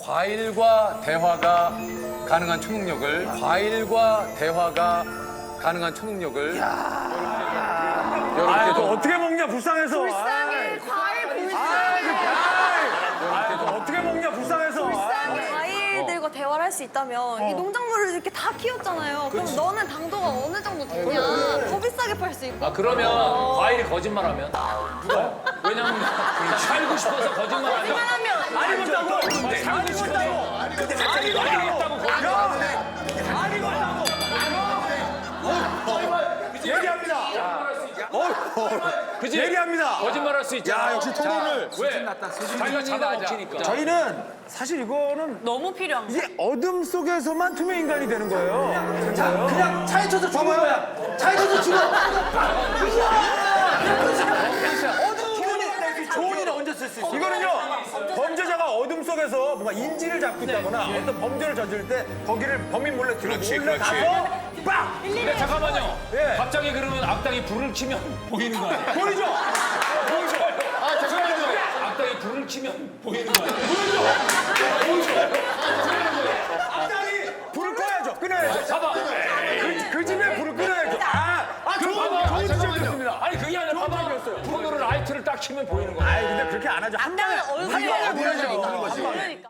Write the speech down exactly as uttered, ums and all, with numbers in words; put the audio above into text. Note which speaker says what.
Speaker 1: 과일과 대화가 가능한 초능력을 과일과 대화가 가능한 초능력을
Speaker 2: 아,
Speaker 1: 여러분께
Speaker 2: 또
Speaker 1: 좀
Speaker 2: 어떻게 먹냐 불쌍해서.
Speaker 3: 불쌍해, 과일 불쌍해.
Speaker 2: 아, 또 어떻게 먹냐 불쌍해서.
Speaker 3: 불쌍해. 과일들과 대화를 할 수 있다면 이 농작물을 이렇게 다 키웠잖아요. 그럼 너는 당도가 어느 정도 되냐? 더 비싸게 팔 수 있고.
Speaker 4: 아 그러면 과일이 거짓말하면 누가? 왜냐면 살고 싶어서 거짓말하면
Speaker 3: 거짓말하면
Speaker 2: 안 익었다고.
Speaker 4: 살고 싶어서
Speaker 2: 안
Speaker 4: 안
Speaker 2: 익었다고.
Speaker 4: 익었다고 거짓말.
Speaker 2: 안 익었다고. 얘기합니다.
Speaker 4: 그지?
Speaker 2: 얘기합니다.
Speaker 4: 거짓말할 수 있잖아.
Speaker 5: 야, 역시 토론을.
Speaker 4: 왜? 자기가 잡아먹히니까.
Speaker 2: 저희는 사실 이거는
Speaker 3: 너무 필요한 거.
Speaker 2: 이게 어둠 속에서만 투명 인간이 되는 거예요.
Speaker 5: 자, 그냥 차에 쳐서 죽은 거야. 차에 쳐서 죽어. 어둠 좋은 일에 언제 쓸 수 있어?
Speaker 2: 이거는요 범죄자가 어둠 속에서 뭔가 인지를 잡고 있다거나 어떤 범죄를 저지를 때 거기를 범인 몰래 들어 몰래 가서 빡!
Speaker 4: 근데 잠깐만요.
Speaker 2: 예.
Speaker 4: 갑자기 그러면 악당이 불을 켜면 보이는 거 아니에요?
Speaker 2: 보이죠?
Speaker 4: 보이죠? 아 잠깐만요. 악당이 불을 켜면 보이는 거 아니에요?
Speaker 2: 악당이 불을 꺼야죠. 끊어야죠.
Speaker 4: 봐봐.
Speaker 2: 그, 그 집에 불을 끊어야죠. 아, 아
Speaker 4: 그
Speaker 2: 좋은
Speaker 4: 봐봐.
Speaker 2: 좋은
Speaker 4: 잠깐만요.
Speaker 2: 지적이었습니다.
Speaker 4: 아니 그게 아니라 봐봐.
Speaker 2: 지적이었어요.
Speaker 4: 폰으로 라이트를 딱 켜면 보이는 거야.
Speaker 2: 아이 근데 그렇게 안 하죠. 한 방에
Speaker 3: 얼굴에
Speaker 2: 한 방에
Speaker 3: 얼굴에
Speaker 2: 보여줘.
Speaker 3: 그러니까.